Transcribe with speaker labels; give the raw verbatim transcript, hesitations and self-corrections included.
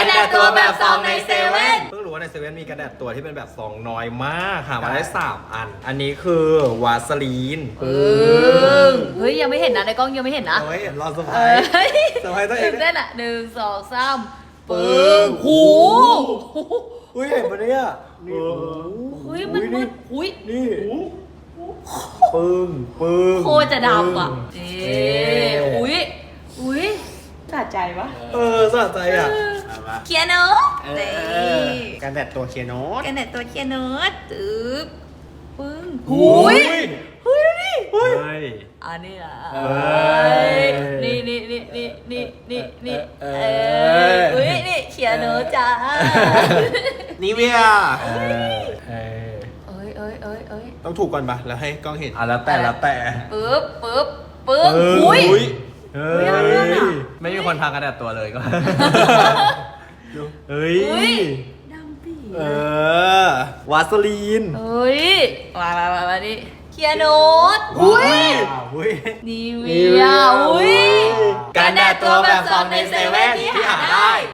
Speaker 1: กันแดดตัวแบบซองในเซเว่น
Speaker 2: เพิ่งรู้ว่าในเซเว่นมีกันแดดตัวที่เป็นแบบซองน้อยมากหามาได้สามอันอันนี้คือวาสลีน
Speaker 1: เออเฮ้ยยังไม่เห็นนะในกล้องยังไม่เห็นนะ
Speaker 2: เอาไว้เห็นรอสไพร
Speaker 1: เอ้
Speaker 2: ส์
Speaker 1: ย
Speaker 2: เซอร์ไพรส์ตัวเอง
Speaker 1: ตื่นเต้นอ่ะหนึ่งสองสามปึ้
Speaker 2: ปึ้
Speaker 1: ง
Speaker 2: ง
Speaker 1: หู
Speaker 2: อุ้ยเห็นปะเนี่ยนี่
Speaker 1: เฮ้ยมันมืดหุ้ย
Speaker 2: นี่ปึ้งปึ้ง
Speaker 1: โคตรจะดำอ่ะเอ๊ะอุ้ยอุ้ยสะใจปะ
Speaker 2: เออสะใจอ่ะ
Speaker 1: เคียโนต
Speaker 3: เอ
Speaker 1: เต้
Speaker 3: อการแดดตัวเคียโนต
Speaker 1: กันแดดตัวเคียโนตตึ๊บปึ้งหุ้ยเฮ้ยดูดิ
Speaker 2: เฮ้ย
Speaker 1: อันนี้อ่ะ
Speaker 2: เออ
Speaker 1: นี่นี่นี่นี่นี่นี่นี่
Speaker 2: เอ
Speaker 1: เอ
Speaker 2: อ
Speaker 1: ออุ้ยนี่เขียนโนจ้า
Speaker 3: นิเวีย
Speaker 2: เออเออ
Speaker 1: เอ้ยเอ้ยเอ้ยเอ้ย
Speaker 3: ต้องถูกก่อนปะแล้วให้กล้องเห็น
Speaker 2: อ่ะแล้วแต่แล้วแต่
Speaker 1: ปึ๊บปึ๊บปึ๊บ
Speaker 2: เออ
Speaker 1: อุ้ย
Speaker 2: อุ้ยเฮ้
Speaker 1: ไม่เอาเรื่อง
Speaker 2: ย
Speaker 1: อะ
Speaker 2: ไม่มีคนทางกันแดดตัวเลยก็เฮ้ย
Speaker 1: อุ้ยดำปี
Speaker 2: เออวาสลีน
Speaker 1: เอ้ยมามามามานี่เขียนโนตอุ้ย
Speaker 2: อุ้ย
Speaker 1: นิเวียอุ้ย
Speaker 2: กันแดดตัวแบบซองในเซเว่นที่หาได้